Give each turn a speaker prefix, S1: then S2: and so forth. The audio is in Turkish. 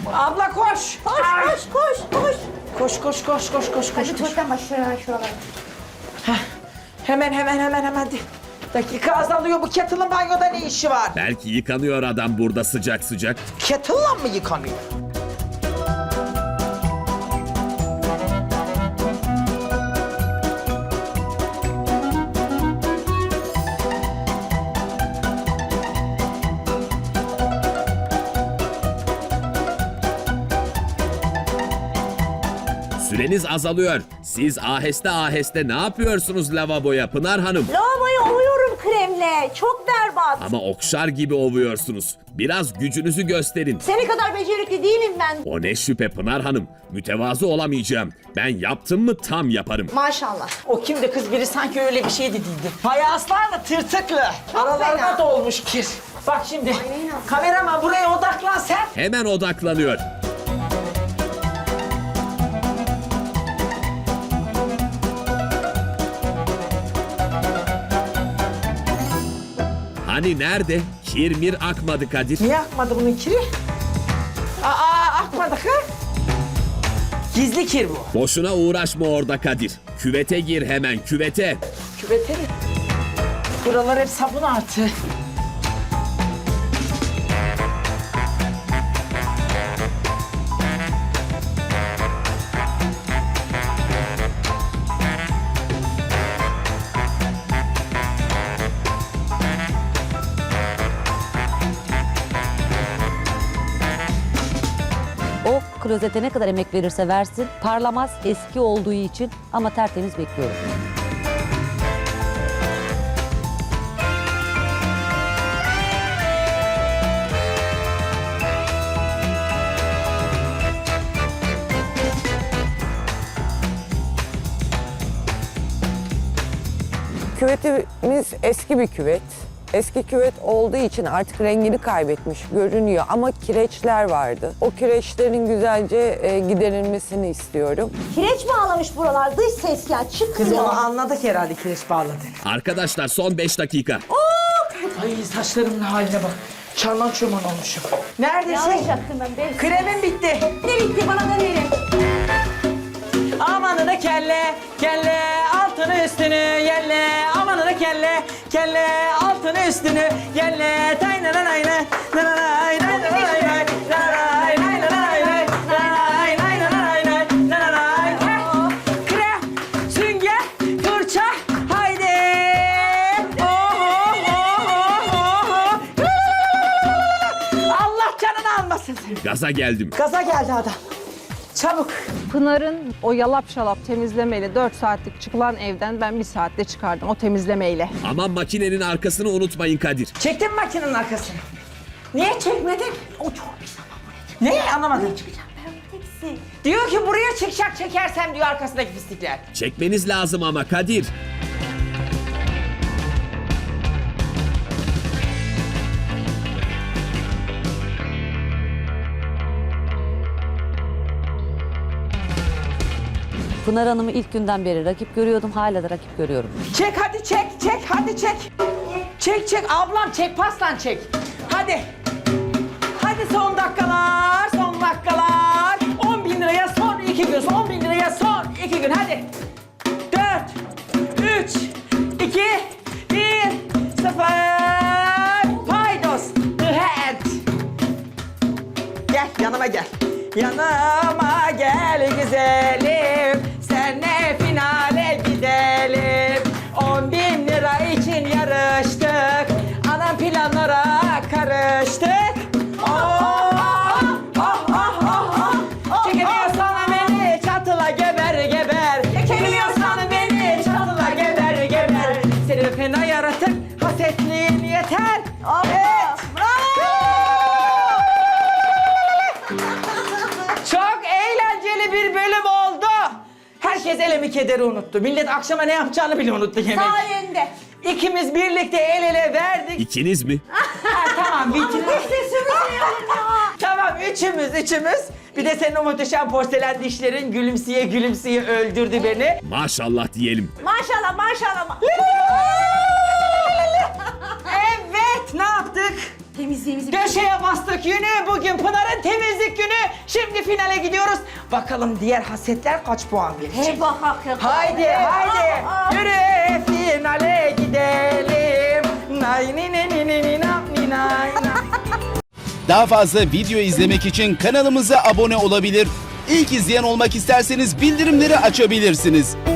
S1: Abla koş.
S2: Koş koş koş koş.
S1: Koş koş koş koş koş
S2: Hadi
S1: koş.
S2: tuvaletten başla şuralara.
S1: Hemen. Dakika azalıyor, bu kettle'ın banyoda ne işi var?
S3: Belki yıkanıyor adam burada sıcak sıcak.
S1: Kettle'la mı yıkanıyor?
S3: Süreniz azalıyor. Siz aheste aheste ne yapıyorsunuz lavaboya Pınar Hanım?
S2: Lavaboyu ovuyorum kremle. Çok berbat.
S3: Ama okşar gibi ovuyorsunuz. Biraz gücünüzü gösterin.
S2: Seni kadar becerikli değilim ben.
S3: O ne şüphe Pınar Hanım. Mütevazı olamayacağım. Ben yaptım mı tam yaparım.
S2: Maşallah.
S1: O kimdi kız, biri sanki öyle bir şey dediydi. Fayanslarla tırtıklı. Aralarına
S2: fena.
S1: dolmuş kir. Bak şimdi,
S2: Aynen.
S1: kameraman buraya odaklan sen.
S3: Hemen odaklanıyor. Hani nerede? Kirmir akmadı Kadir.
S1: Niye akmadı bunun kiri? Akmadı ha? Gizli kir bu.
S3: Boşuna uğraşma orada Kadir. Küvete gir hemen küvete.
S1: Küvete mi? Buralar hep sabun artı.
S4: O klozete ne kadar emek verirse versin parlamaz eski olduğu için ama tertemiz bekliyorum.
S5: Küvetimiz eski bir küvet. Eski küvet olduğu için artık rengini kaybetmiş görünüyor ama kireçler vardı. O kireçlerin güzelce giderilmesini istiyorum.
S2: Kireç bağlamış buralar. Dış ses ya
S1: Kız
S2: çıkmıyor.
S1: onu anladık herhalde, kireç bağladı.
S3: Arkadaşlar son 5 dakika.
S1: Ay saçlarımın haline bak. Çarman çurman olmuşum. Neredesin?
S2: Yanlış yaptım ben.
S1: Kremim bitti.
S2: Ne bitti bana da verin.
S1: Amanını kelle, kelle altını üstünü yelle. Amanını kelle, kelle altını üstünü yelle. Tay na na nay na, na na nay nay na nay nay, na nay nay na nay nay, nay nay na nay nay, na na nay. Krem, sünger, fırça, haydi. Allah canını almasın seni.
S3: Gaza geldim.
S1: Gaza geldi adam. Çabuk.
S6: Pınar'ın o yalap şalap temizlemeyle 4 saatlik çıkılan evden ben 1 saatte çıkardım o temizlemeyle.
S3: Ama makinenin arkasını unutmayın Kadir.
S1: Çektin mi makinenin arkasını? Niye çekmedin?
S2: O çok pis ama buraya çıkacağım.
S1: Ne? Anlamadım.
S2: Çıkacağım ben teksi.
S1: Diyor ki buraya çıkacak, çekersem diyor arkasındaki pislikler.
S3: Çekmeniz lazım ama Kadir.
S4: Pınar Hanım'ı ilk günden beri rakip görüyordum, hala da rakip görüyorum.
S1: Çek hadi çek, hadi çek. Çek ablam çek, paslan çek. Hadi. Hadi son dakikalar, 10 bin liraya son 2 gün, 10 bin liraya son 2 gün hadi. 4, 3, 2, 1, 0. Paydos, the hand. Gel yanıma gel. Yanıma gel güzelim, senle finale gidelim. 10 bin lira için yarıştık, anam planlara karıştık. Çekemiyorsan beni çatıla geber geber. Çekemiyorsan beni çatıla geber geber. Seni fena yaratık, hasetliğin yeter. Evet. Çok eğlenceli bir bölüm oldu. Herkes elemi kederi unuttu. Millet akşama ne yapacağını bile unuttu yemek.
S2: Sayende.
S1: İkimiz birlikte el ele verdik.
S3: İkiniz mi?
S1: Tamam bitti. Tamam üçümüz. Bir de senin o muhteşem porselen dişlerin gülümseye öldürdü beni.
S3: Maşallah diyelim.
S2: Maşallah.
S1: Evet ne yaptık?
S2: Temizliğimizi
S1: Köşeye bastık yünü. Bugün Pınar'ın temizlik günü. Şimdi finale gidiyoruz. Bakalım diğer hasetler kaç puan verecek?
S2: He bak.
S1: Haydi haydi. Yürü finale gidelim. Nay ni ni ni ni ni na ni nay na.
S7: Daha fazla video izlemek için kanalımıza abone olabilir. İlk izleyen olmak isterseniz bildirimleri açabilirsiniz.